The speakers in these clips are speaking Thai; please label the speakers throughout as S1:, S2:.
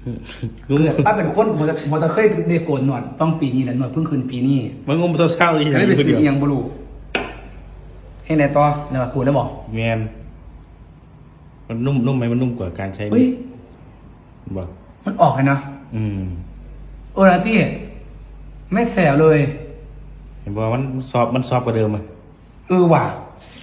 S1: เกิดป้าเป็นคนหัวตะเคยเด็กโกนหนวดต้องปีนี้แหละหนวดเพิ่งคืนปีนี้
S2: มันงมเศร้าๆอีก
S1: จะได้ไปซื้อยังบลูให้ไหนต่อเนื้อกูได้บอก
S2: แมนมันนุ่มไหมมันนุ่มกว่าการใช้บอก
S1: มันออกกันนะนะที่ไม่แสบเลย
S2: เห็นบอกมันซอฟกว่าเดิมอ่ะ
S1: ว่ะ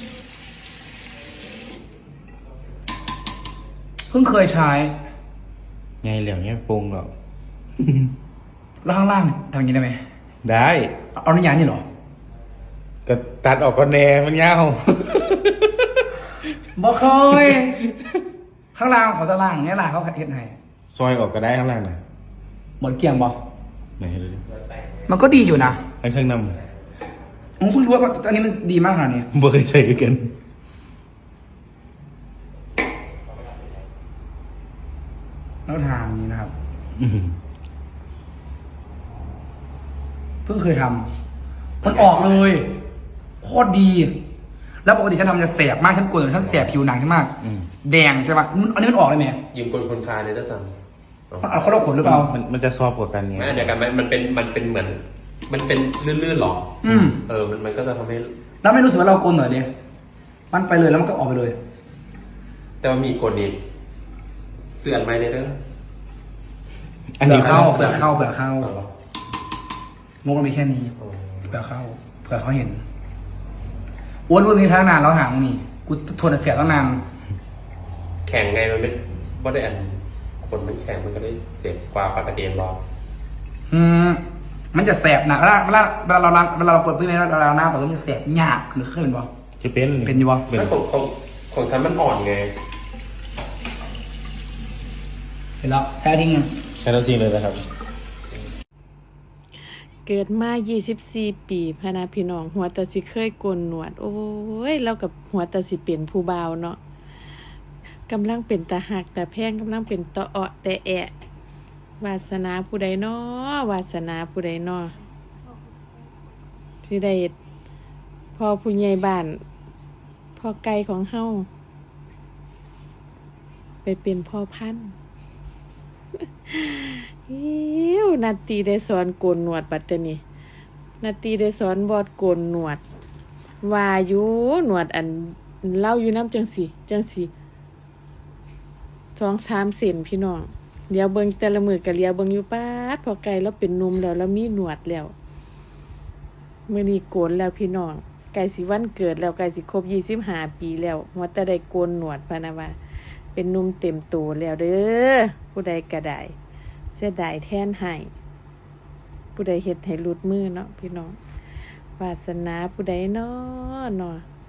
S1: เพิ่งเคยใช้
S2: ไงเหลี่ยมเนี้ยปรุงหรอก
S1: แล้วข้างล่างทำอย่างนี้ได้ไหม
S2: ได้
S1: เอาน้ำยานี่หรอ
S2: ก็ตัดออกก็แน่มันยาว
S1: บอกเคยข้างล่างเขาจะล่างเนี่ยล่ะเขาเห็นไง
S2: ซอยออกก็ได้ข้างล่างนะ
S1: หมดเกลี่ยงบอก
S2: ไหนเลย
S1: มันก็ดีอยู่นะ
S2: ไอ้เครื่องน
S1: ำผมเพิ่งรู้ว่าอันนี้มันดีมากขนาดนี้
S2: บ่เคยใช้กัน
S1: แล้วทางนี้นะครับเพิ่งเคยทำมันออกเลยโคตรดีแล้วปกติฉันทำจะแสบมากฉันกลัวฉันแสบผิวหนังฉันมากแดงใช่ปะอันนี้มันออกเลยไหม
S3: ยืมคนคลายเลยนะซัม
S1: มันเอาเขาเราขนหรือเปล่า
S2: มันจะซอฟกว่ากันไง
S3: เดี๋ยวกันมันเป็นเหมือนมันเป็นลื่นๆหรอมันก็จะทำให้
S1: แล้วไม่รู้สึกว่าเราโกนหน่อยเลยมันไปเลยแล้วมันก็ออกไปเลย
S3: แต่ว่ามีกดนี้เสื่อมไหมเนี่ยเด้อ
S1: อันนี้เข้าเผื่อเข้างงมันมีแค่นี้เผื่อเข้าเผื่อเขาเห็นอ้วนนี้ทั้งนานแล้วหางนี่กูทนเสียตั้งนาน
S3: แข่งไงมันไม่ว่าได้อันคนมันแข่งมันก็ได้เจ็บกว่าปกติรอ
S1: มันจะแสบหนักเวลาเรากดพื้นเวลาเราหน้าแบบมันจะแสบหยาบคือเคยเป็นบ่
S2: จะเป็น
S1: อยู่บ่
S3: ไม่ของฉันมันอ่อนไง
S1: เห็นแล้วแค่ทิ้ง
S2: ใช้แล้วทิ้งเลยนะครับ
S4: เกิดมา24 ปีพะนะพี่น้องหัวตาสิเคยโกนหนวดโอ้ยเรากับหัวตาสิเป็นผู้บ่าวเนาะกำลังเป็นตาหักแต่แพงกำลังเป็นตะเาะแต่แอะวาสนาผู้ใดน้อวาสนาผู้ใดน้อที่ได้พ่อผู้ใหญ่บ้านพ่อไก่ของเฮาไปเป็นพ่อพันธุ์นาตีได้สอนโกนหนวดบัดนี้นาตีได้สอนบอดโกนหนวดว่าอยู่หนวดอันเล่าอยู่น้ำจังสี2-3 เซนพี่น้องเดี๋ยวเบิ่งแต่ละมือก็เลียวเบิ่งอยู่ป๊าดพอไก่แล้วเป็นนมแล้วมีหนวดแล้วมื้อนี้โกนแล้วพี่น้องไก่สิวันเกิดแล้วไก่สิครบ25 ปีแล้วหัวแต่ได้โกนหนวดพะนะว่าเป็นนุ่มเต็มตัวแล้วเด้อผู้ใดก็ได้เสียดายแทนให้ผู้ใดเฮ็ดให้หลุดมือเนาะพี่น้องวาสนาผู้ใดเนาะ